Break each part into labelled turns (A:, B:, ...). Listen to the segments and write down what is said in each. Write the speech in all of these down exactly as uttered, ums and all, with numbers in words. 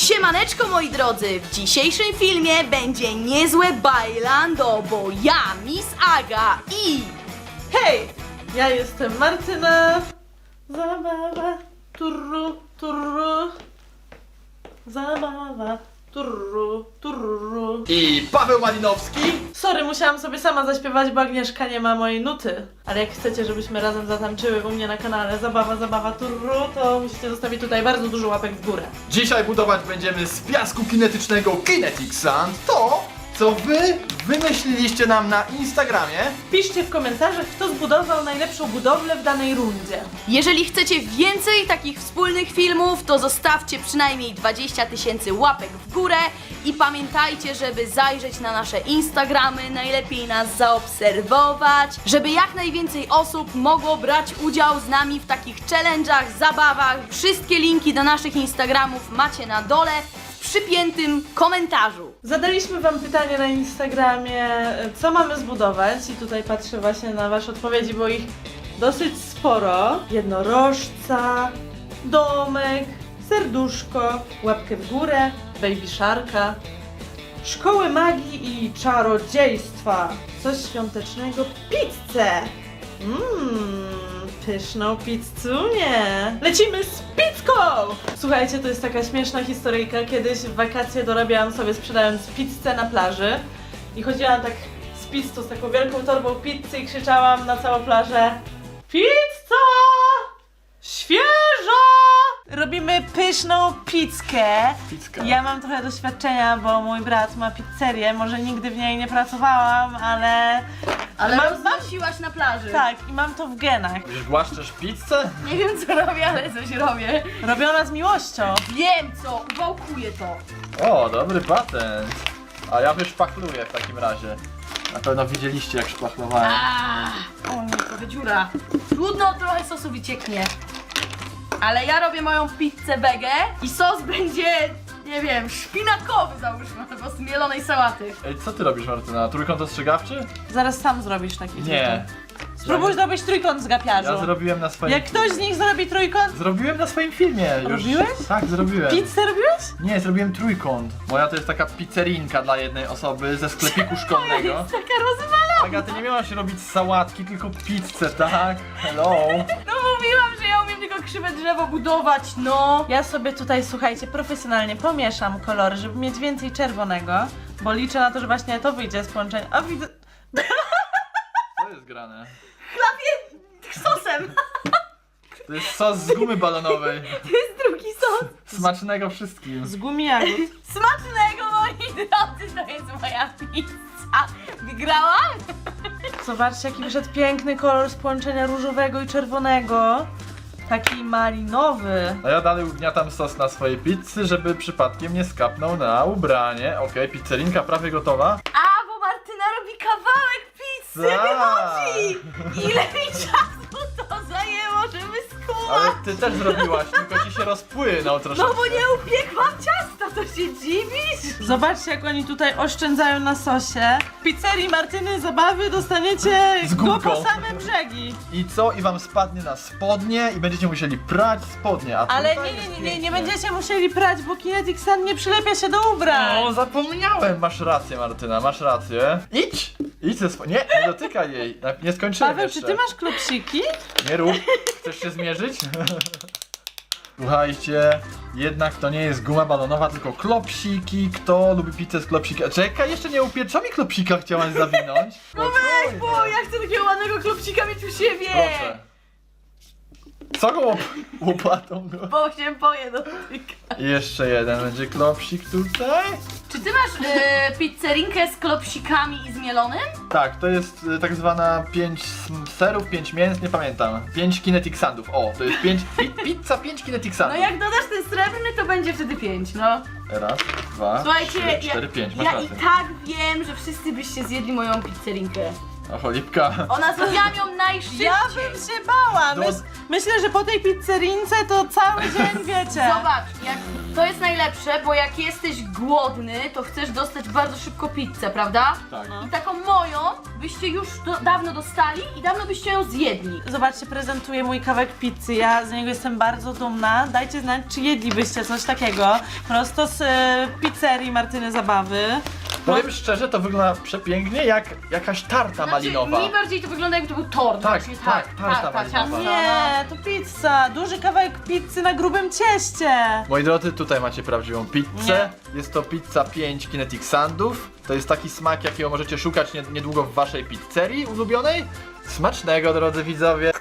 A: Siemaneczko moi drodzy, w dzisiejszym filmie będzie niezłe bailando, bo ja, Miss Aga i...
B: Hej! Ja jestem Martyna. Zabawa, turru, turru. Zabawa, turru, turru.
C: I Paweł Malinowski.
B: Sorry, musiałam sobie sama zaśpiewać, bo Agnieszka nie ma mojej nuty. Ale jak chcecie, żebyśmy razem zatańczyły u mnie na kanale Zabawa, Zabawa, turru, to musicie zostawić tutaj bardzo dużo łapek w górę.
C: Dzisiaj budować będziemy z piasku kinetycznego Kinetic Sand to, co wy wymyśliliście nam na Instagramie.
B: Piszcie w komentarzach, kto zbudował najlepszą budowlę w danej rundzie.
A: Jeżeli chcecie więcej takich wspólnych filmów, to zostawcie przynajmniej dwadzieścia tysięcy łapek w górę i pamiętajcie, żeby zajrzeć na nasze Instagramy, najlepiej nas zaobserwować, żeby jak najwięcej osób mogło brać udział z nami w takich challenge'ach, zabawach. Wszystkie linki do naszych Instagramów macie na dole w przypiętym komentarzu.
B: Zadaliśmy wam pytanie na Instagramie, co mamy zbudować i tutaj patrzę właśnie na wasze odpowiedzi, bo ich dosyć sporo. Jednorożca, domek, serduszko, łapkę w górę, baby sharka, szkoły magii i czarodziejstwa, coś świątecznego, pizzę. Mmm, pyszną pizzunię. Lecimy z pizzką! Słuchajcie, to jest taka śmieszna historyjka. Kiedyś w wakacje dorabiałam sobie sprzedając pizzę na plaży i chodziłam tak z pizzą, z taką wielką torbą pizzy i krzyczałam na całą plażę: pizza! Świeża! Robimy pyszną pizzkę.
C: Pizzka.
B: Ja mam trochę doświadczenia, bo mój brat ma pizzerię. Może nigdy w niej nie pracowałam, ale...
A: Ale
B: mam,
A: roznosiłaś na plaży.
B: tak, i mam to w genach.
C: Już głaszczesz pizzę?
A: Nie wiem co robię, ale coś robię.
B: Robiona z miłością.
A: Wiem co, uwałkuję to.
C: O, dobry patent. A ja wyszpachluję w takim razie. Na pewno widzieliście, jak szpachlowałem.
A: Aaa, o nie, trochę dziura. Trudno, trochę sosu wycieknie. Ale ja robię moją pizzę wege i sos będzie, nie wiem, szpinakowy załóżmy, albo z mielonej sałaty.
C: Ej, co ty robisz, Martyna? Trójkąt ostrzegawczy?
B: Zaraz sam zrobisz taki
C: Nie.
B: Spróbuj zrobić trójkąt z gapiarzu.
C: Ja zrobiłem na swoim...
B: Jak ktoś z nich zrobi trójkąt...
C: Zrobiłem na swoim filmie już.
B: Robiłeś?
C: Tak, zrobiłem.
B: Pizzę robiłeś?
C: Nie, zrobiłem trójkąt. Moja to jest taka pizzerinka dla jednej osoby ze sklepiku szkolnego.
A: Jest taka rozwalona.
C: Aga, ty nie miałaś robić sałatki, tylko pizzę, tak? Hello.
A: No mówiłam, że ja umiem tylko krzywe drzewo budować, no.
B: Ja sobie tutaj, słuchajcie, profesjonalnie pomieszam kolory, żeby mieć więcej czerwonego, bo liczę na to, że właśnie to wyjdzie z połączenia. A widzę...
C: Co jest grane?
A: Chlapię sosem.
C: To jest sos z gumy balonowej.
A: To jest drugi sos.
C: Smacznego wszystkim.
B: z gumi jagód.
A: Smacznego, moi drodzy, to jest moja pizza. Wygrałam?
B: Zobaczcie, jaki wyszedł piękny kolor z połączenia różowego i czerwonego. Taki malinowy.
C: A ja dalej ugniatam sos na swojej pizzy, żeby przypadkiem nie skapnął na ubranie. Okej, pizzerinka prawie gotowa.
A: A, bo Martyna robi kawałek pizzy,
C: Tak.
A: wychodzi! Ile mi czasu to zajęło, żeby skumać?
C: Ale ty też zrobiłaś, tylko ci się rozpłynął troszeczkę.
A: No bo nie upiekłam ciasta, to się dziwisz?
B: Zobaczcie, jak oni tutaj oszczędzają na sosie. W pizzerii Martyny Zabawy dostaniecie
C: Z
B: go
C: gumką.
B: po same brzegi.
C: I co? I wam spadnie na spodnie i będziecie musieli prać spodnie. A
B: Ale
C: tutaj
B: nie, nie,
C: jest
B: nie, nie, nie
C: pięknie.
B: będziecie musieli prać, bo Kinetic Sand nie przylepia się do ubrań.
C: O, zapomniałem! Masz rację, Martyna, masz rację. Idź! Idź ze spo... Nie, nie dotykaj jej. Nie skończyłem
B: Paweł,
C: jeszcze.
B: czy ty masz klopsiki?
C: Nie rób. Chcesz się zmierzyć? Słuchajcie, jednak to nie jest guma balonowa, tylko klopsiki. Kto lubi pizzę z klopsika? Czekaj, jeszcze nie upieczami klopsika chciałaś zawinąć.
A: No weź, bo ja chcę takiego ładnego klopsika mieć u siebie!
C: Proszę. Co go łop... łopatą go?
A: Bo się boję dotyka.
C: I jeszcze jeden będzie klopsik tutaj.
A: Czy ty masz e, pizzerinkę z klopsikami i z mielonym?
C: Tak, to jest y, tak zwana pięć serów, pięć mięs, nie pamiętam. pięć kinetic sandów. O, to jest pięć pi, pizza pięć kinetic
A: No
C: sandów.
A: jak dodasz ten srebrny, to będzie wtedy pięć, no.
C: Raz, dwa,
A: Słuchajcie,
C: trzy, cztery,
A: ja,
C: pięć. Masz
A: ja i
C: rację.
A: tak wiem, że wszyscy byście zjedli moją pizzerinkę.
C: O, cholipka.
A: Ona zrobiła ją najszybciej.
B: Ja bym się bała.
C: Do-
B: Mys myślę, że po tej pizzerince to cały dzień wiecie.
A: Zobacz, jak, to jest najlepsze, bo jak jesteś głodny, to chcesz dostać bardzo szybko pizzę, prawda?
C: Tak.
A: I taką moją byście już do, dawno dostali i dawno byście ją zjedli.
B: Zobaczcie, prezentuję mój kawałek pizzy. Ja z niego jestem bardzo dumna. Dajcie znać, czy jedlibyście coś takiego. Prosto z e, pizzerii Martyny Zabawy.
C: Powiem szczerze, to wygląda przepięknie jak jakaś tarta malinowa.
A: Znaczy, mi bardziej to wygląda jakby to był tort.
C: Tak,
A: właśnie
C: tak, tarta malinowa.
A: ciasto.
B: Nie, to pizza. Duży kawałek pizzy na grubym cieście.
C: Moi drodzy, tutaj macie prawdziwą pizzę. Jest to pizza pięć Kinetic Sandów. To jest taki smak, jakiego możecie szukać nie- niedługo w waszej pizzerii ulubionej. Smacznego, drodzy widzowie.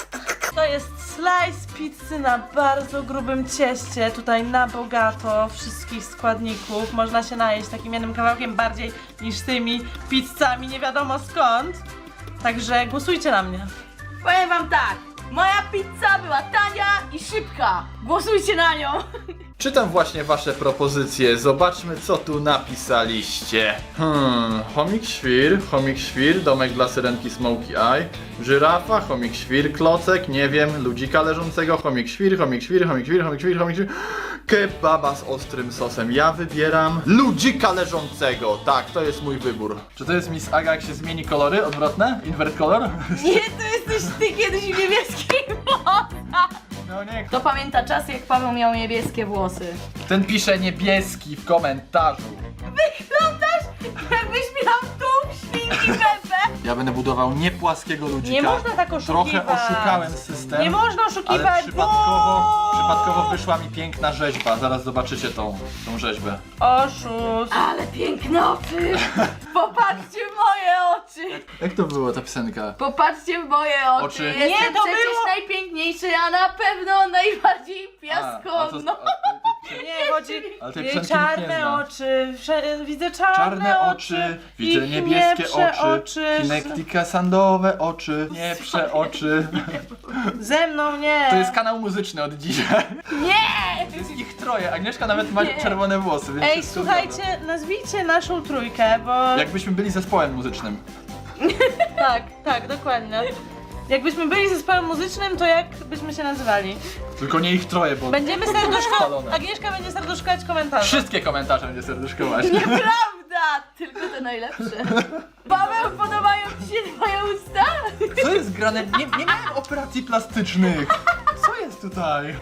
B: To jest slice pizzy na bardzo grubym cieście. Tutaj na bogato wszystkich składników. Można się najeść takim jednym kawałkiem bardziej niż tymi pizzami nie wiadomo skąd. Także głosujcie na mnie.
A: Powiem wam tak, moja pizza była tania i szybka. Głosujcie na nią.
C: Czytam właśnie wasze propozycje. Zobaczmy, co tu napisaliście. Hmm, chomik świr, chomik świr, domek dla syrenki Smokey Eye, żyrafa, chomik świr, klocek, nie wiem, ludzika leżącego, chomik świr, chomik świr, chomik świr, chomik świr, chomik świr, kebaba z ostrym sosem. Ja wybieram ludzika leżącego. Tak, to jest mój wybór. Czy to jest Miss Aga, jak się zmieni kolory odwrotne? Invert color?
A: Nie, to jesteś ty kiedyś w niebieskich włosach.
C: No nie,
A: Kto pamięta czas, jak Paweł miał niebieskie włosy?
C: ten pisze niebieski w komentarzu.
A: Wyglądasz, jakbyś miał tu świnki Pepe.
C: Ja będę budował nie płaskiego ludzika.
B: Nie można tak oszukiwać.
C: Trochę oszukałem system.
B: Nie można
C: Ale
B: oszukiwać,
C: przypadkowo,
B: bo...
C: przypadkowo wyszła mi piękna rzeźba. Zaraz zobaczycie tą, tą rzeźbę.
B: Oszust.
A: Ale piękne oczy. Popatrzcie w moje oczy.
C: Jak to było ta piosenka?
A: Popatrzcie w moje oczy.
C: Oczy.
A: Jestem
B: Nie, to
A: przecież
B: było-
A: najpiękniejszy, a na pewno najbardziej
C: A,
A: piaskowno.
C: a to- a to-
B: Nie, chodzi...
C: Ale tej
B: Jej
C: piosenki nikt nie
B: czarne
C: zna.
B: oczy, wsze- widzę czarne,
C: Czarne oczy, widzę
B: ich
C: niebieskie
B: nieprze
C: oczy, Kinectica sandowe oczy, nie prze oczy.
B: Ze mną nie.
C: To jest kanał muzyczny od dzisiaj.
A: Nie!
C: Jest ich troje. Agnieszka nawet ma
A: Nie.
C: czerwone włosy, więc
B: Ej,
C: wszystko zgadza.
B: słuchajcie, nazwijcie naszą trójkę, bo...
C: Jakbyśmy byli zespołem muzycznym.
B: Tak, tak, dokładnie. Jakbyśmy byli zespołem muzycznym, to jak byśmy się nazywali?
C: Tylko nie ich troje, bo
B: Będziemy serduszko...
C: Spalone.
B: Agnieszka będzie serduszkować komentarze.
C: wszystkie komentarze będzie serduszkować.
A: Nieprawda! Tylko te najlepsze. Paweł, podobają ci się twoje usta?
C: Co jest grane? Nie, nie miałem operacji plastycznych. Co jest tutaj?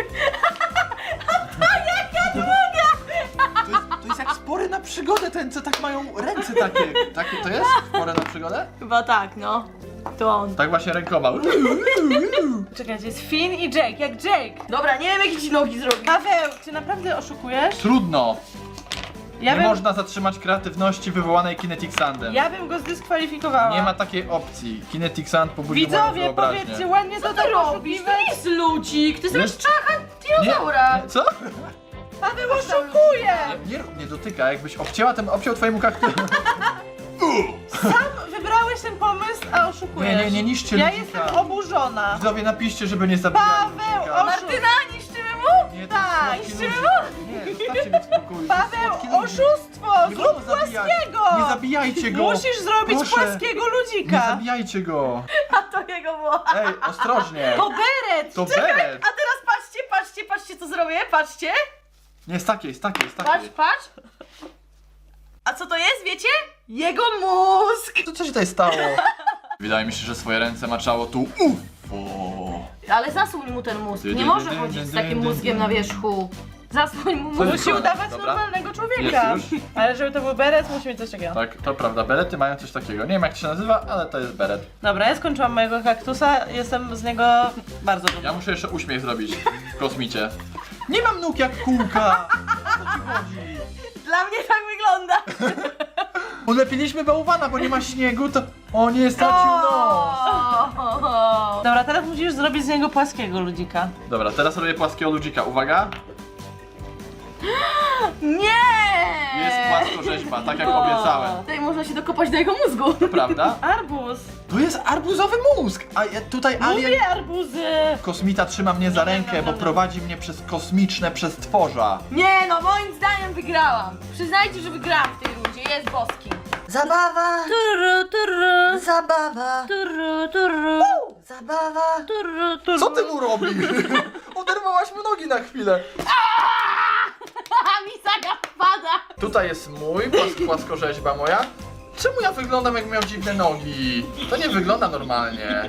C: To jest, to jest jak spory na przygodę, ten co tak mają ręce takie. Takie to jest? Spory na przygodę?
A: Chyba tak, no. To on.
C: Tak właśnie rękoma.
B: Czekajcie, jest Finn i Jake, jak Jake.
A: Dobra, nie wiem jakie ci nogi zrobić.
B: Paweł, czy naprawdę oszukujesz?
C: Trudno.
B: Ja
C: Nie
B: bym,
C: można zatrzymać kreatywności wywołanej Kinetic Sandem.
B: ja bym go zdyskwalifikowała.
C: Nie ma takiej opcji. Kinetic Sand pobudził moją
B: Widzowie,
C: wyobraźnię.
B: powiedzcie ładnie, co
A: Co
B: to
A: ty robisz? To nie jest ludzik, to jest
C: Nie.
A: rozczacha dinozaura.
C: Nie, co?
B: Paweł oszukuje!
C: Nie, rób- nie dotyka, jakbyś obcięła ten, obciął twojemu kaktus.
B: Sam wybrałeś ten pomysł, a oszukujesz.
C: Nie, nie, nie niszczcie
B: Ja
C: ludzika.
B: jestem oburzona.
C: Widzowie, napiszcie, żeby nie zabijali
B: Paweł,
C: ludzika.
B: oszuk-
A: Martyna, niszczymy mu?
C: Nie, to
B: Tak,
C: jest
A: niszczymy
C: słodki ludzik. Nie, zostawcie mnie w spokoju. to jest
B: Paweł,
C: słodki ludzik.
B: oszustwo!
C: Nie
B: Zrób
C: wolno zabijać.
B: płaskiego!
C: Nie zabijajcie go!
B: Musisz zrobić
C: Proszę.
B: płaskiego
C: Nie
B: ludzika!
C: zabijajcie go!
A: A to jego było.
C: Ej, ostrożnie!
B: To beret!
C: To beret!
A: A teraz patrzcie, patrzcie, patrzcie co zrobię, patrzcie.
C: Nie, jest takie, jest takie, jest
A: Patrz,
C: takie.
A: patrz. A co to jest, wiecie? Jego mózg.
C: Co, co się tutaj stało? Wydaje mi się, że swoje ręce maczało tu U F O.
A: Ale zasłoń mu ten mózg. Nie może chodzić z takim mózgiem na wierzchu. Zasłoń mu
C: Co
A: mózg.
C: jest?
B: Musi udawać
C: Dobra.
B: normalnego człowieka.
C: Jest już?
B: Ale żeby to był beret, musi mieć coś takiego.
C: Tak, to prawda, berety mają coś takiego. Nie wiem jak to się nazywa, ale to jest beret.
B: Dobra, ja skończyłam mojego kaktusa, jestem z niego bardzo dumna.
C: Ja muszę jeszcze uśmiech zrobić w kosmicie. Nie mam nóg jak kółka! O co ci chodzi?
A: Dla mnie tak wygląda.
C: Ulepiliśmy bałwana, bo nie ma śniegu, to... O nie, stracił nos!
A: O.
B: Dobra, teraz musisz zrobić z niego płaskiego ludzika.
C: Dobra, teraz robię płaskiego ludzika. Uwaga!
A: Nie!
C: Jest płaskorzeźba, tak jak obiecałem.
A: Tutaj można się dokopać do jego mózgu.
C: Prawda?
B: Arbuz!
C: To jest arbuzowy mózg! A ja tutaj alien...
B: Lubię arbuzy!
C: Kosmita trzyma mnie za rękę, bo prowadzi mnie przez kosmiczne przestworza.
A: Nie no, moim zdaniem wygrałam. Przyznajcie, że wygrałam w tej rundzie, jest boski.
D: Zabawa,
A: Turu, turu,
D: zabawa,
A: turu, turu,
D: zabawa.
A: turu, turu.
C: Co ty mu robisz? Oderwałaś mu nogi na chwilę.
A: A mi zaga wpada.
C: Tutaj jest mój, płas- płaskorzeźba moja. Czemu ja wyglądam jak miał dziwne nogi? To nie wygląda normalnie.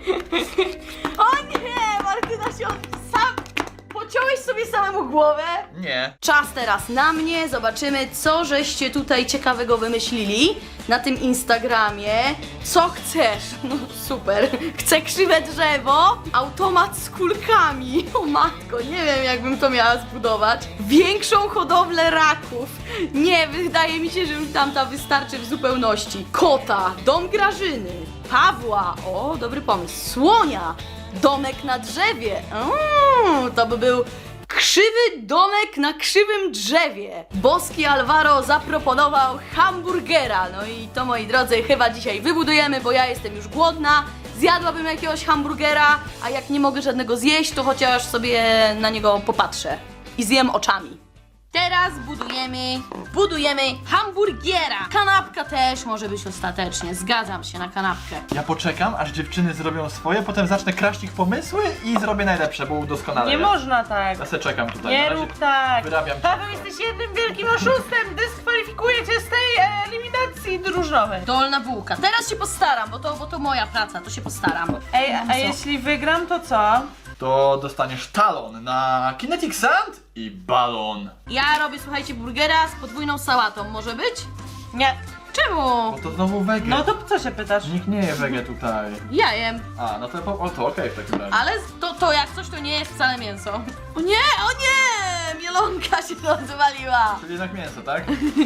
A: O nie, Martyna się od- sam... Pociąłeś sobie samemu głowę?
C: Nie.
A: Czas teraz na mnie, zobaczymy co żeście tutaj ciekawego wymyślili na tym Instagramie. Co chcesz? No super. Chcę krzywe drzewo, automat z kulkami. O matko, nie wiem jakbym to miała zbudować. Większą hodowlę raków. Nie, wydaje mi się, że już tamta wystarczy w zupełności. Kota, dom Grażyny, Pawła, o dobry pomysł, słonia, domek na drzewie. Mm, to by był krzywy domek na krzywym drzewie. Boski Alvaro zaproponował hamburgera. No i to, moi drodzy, chyba dzisiaj wybudujemy, bo ja jestem już głodna. Zjadłabym jakiegoś hamburgera, a jak nie mogę żadnego zjeść, to chociaż sobie na niego popatrzę i zjem oczami. Teraz budujemy, budujemy hamburgiera. Kanapka też może być ostatecznie, zgadzam się na kanapkę.
C: Ja poczekam, aż dziewczyny zrobią swoje, potem zacznę kraść ich pomysły i zrobię najlepsze, bo udoskonalę.
B: Nie
C: je.
B: można tak.
C: Ja se czekam tutaj.
B: Nie
C: na razie
B: rób tak.
C: Wyrabiam.
B: Paweł, jesteś jednym wielkim oszustem. Dyskwalifikuję cię z tej e, eliminacji drużynowej.
A: Dolna bułka. Teraz się postaram, bo to, bo to moja praca, to się postaram.
B: Ej, a, a jeśli wygram, to co?
C: To dostaniesz talon na Kinetic Sand i balon.
A: Ja robię, słuchajcie, burgera z podwójną sałatą, może być?
B: Nie.
A: Czemu?
C: Bo to znowu wege.
B: No to co się pytasz?
C: Nikt nie je wege tutaj.
A: Ja jem,
C: A, no to, po- o, to okej w takim razie.
A: ale to, to jak coś to nie jest wcale mięso. O nie, o nie! Mielonka się rozwaliła.
C: Czyli jednak mięso, tak?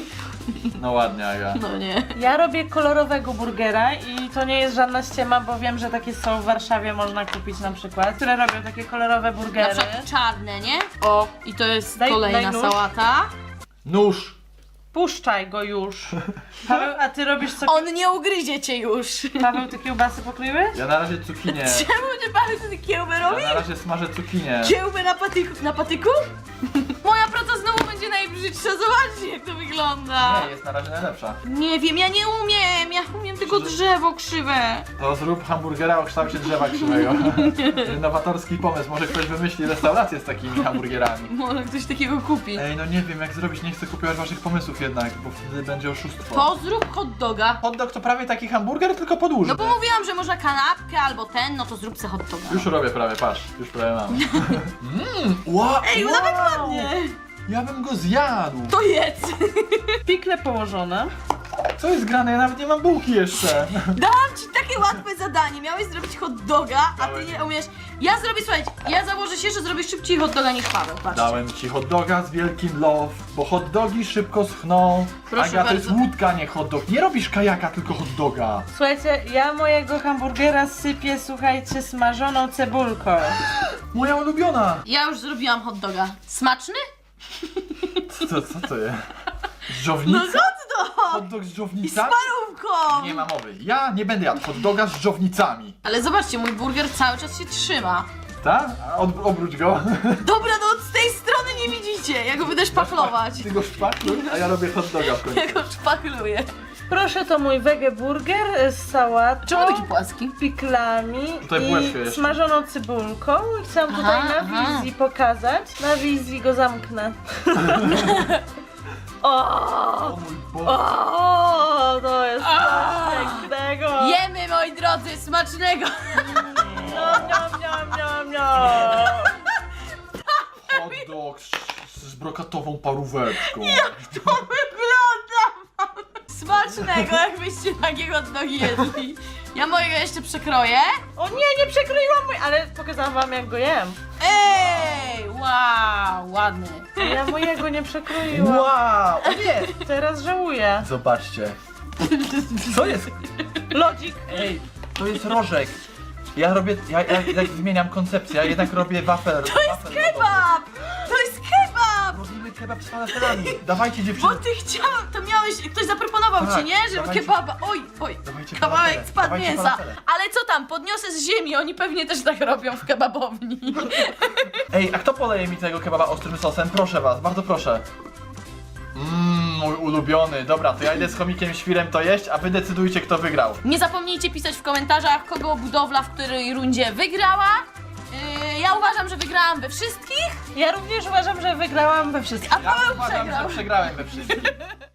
C: No ładnie, Aga.
A: No nie.
B: Ja robię kolorowego burgera i to nie jest żadna ściema, bo wiem, że takie są w Warszawie, można kupić na przykład, które robią takie kolorowe
A: Na
B: burgery.
A: przykład czarne, nie? O, i to jest
B: Daj-
A: kolejna
B: daj nóż.
A: sałata.
C: Nóż.
B: Puszczaj go już. Paweł, a ty robisz co?
A: On nie ugryzie cię już.
B: Paweł, ty kiełbasy pokryły?
C: Ja na razie cukinię.
A: Czemu nie Paweł ty kiełbę
C: Ja
A: robi?
C: na razie smażę cukinię.
A: Kiełbę na patyku? Na patyku? Moja praca znowu będzie najbrzydsza, zobaczcie jak to wygląda.
C: Nie, jest na razie najlepsza.
A: Nie wiem, ja nie umiem, ja umiem tylko drzewo krzywe.
C: To zrób hamburgera o kształcie drzewa krzywego. Innowatorski pomysł, może ktoś wymyśli restaurację z takimi hamburgerami.
A: Może ktoś takiego kupi.
C: Ej, no nie wiem jak zrobić, nie chcę kupować waszych pomysłów jednak, bo wtedy będzie oszustwo.
A: To zrób hot doga.
C: Hot dog to prawie taki hamburger, tylko podłużny.
A: No bo mówiłam, że można kanapkę albo ten, no to zrób se hot doga.
C: Już robię prawie, patrz, już prawie mam. Mmm, wow,
A: Ej,
C: wow.
A: nawet ładnie.
C: Ja bym go zjadł.
A: To jedz.
B: Pikle położone.
C: Co jest grane? Ja nawet nie mam bułki jeszcze.
A: Dałam ci takie łatwe zadanie, miałeś zrobić hot doga, a ty
C: Dałem.
A: nie umiesz. Ja zrobię, słuchajcie, ja założę się, że zrobisz szybciej hot doga niż Paweł, patrzcie.
C: Dałem ci hot doga z wielkim love, bo hot dogi szybko schną.
A: Proszę
C: Aga, to jest
A: bardzo.
C: łódka, nie hot dog. Nie robisz kajaka, tylko hot doga.
B: Słuchajcie, ja mojego hamburgera sypię, słuchajcie, smażoną cebulką.
C: Moja ulubiona.
A: Ja już zrobiłam hot doga. Smaczny?
C: Co to, co to jest? Dżownica?
A: No hot dog!
C: Hot dog z
A: I z
C: dżownicami?
A: parówką!
C: Nie ma mowy. Ja nie będę jadł hot doga z dżownicami.
A: Ale zobaczcie, mój burger cały czas się trzyma.
C: Tak? A Od, obróć go.
A: Dobra, no z tej strony nie widzicie, ja go będę szpachlować.
C: Ty go szpachluj, a ja robię hot doga w końcu.
A: Ja go szpachluję.
B: Proszę, to mój wege burger z sałatą,
A: Czemu taki płaski?
B: piklami
C: Tutaj
B: i
C: bułeczkę jeszcze.
B: smażoną cebulką. I chciałam
A: Aha,
B: tutaj na
A: aha.
B: wizji pokazać. Na wizji go zamknę. O,
C: O mój Boże.
B: o, to jest
A: A.
B: coś pięknego.
A: Jemy, moi drodzy, smacznego!
B: Niam, niam, niam, niam, niam.
C: Hot dog z, z brokatową paróweczką.
A: To wygląda! Smacznego, jakbyście takiego hot dogi jedli. Ja mojego jeszcze przekroję.
B: O nie, nie przekroiłam mój, ale pokazałam wam jak go jem.
A: Ej, wow, ładny.
B: Ja mojego nie przekroiłam.
C: Wow! O nie!
B: Teraz żałuję.
C: Zobaczcie. Co jest?
B: Lodzik.
C: Ej, to jest rożek. Ja robię, ja, ja, ja zmieniam koncepcję, ja jednak robię wafel.
A: To jest kebab! To jest kebab!
C: Robimy kebab z falafelami. Dawajcie
A: Bo
C: dziewczyny.
A: ty chciał, to miałeś, ktoś zaproponował
C: Tak,
A: ci, nie? Żeby
C: dawajcie.
A: kebaba, oj, oj,
C: Dawajcie
A: kawałek
C: falafele,
A: spadł
C: dawajcie
A: mięsa.
C: falafele.
A: Ale co tam, podniosę z ziemi, oni pewnie też tak robią w kebabowni.
C: Ej, a kto poleje mi tego kebaba ostrym sosem? Proszę was, bardzo proszę. Mmm, mój ulubiony. Dobra, to ja idę z chomikiem świrem to jeść, a wy decydujcie, kto wygrał.
A: Nie zapomnijcie pisać w komentarzach, kogo budowla w której rundzie wygrała. Yy, ja uważam, że wygrałam we wszystkich,
B: Ja również uważam, że wygrałam we wszystkich.
A: a
C: Ja
A: Paweł
C: uważam,
A: przegrał.
C: że przegrałem we wszystkim.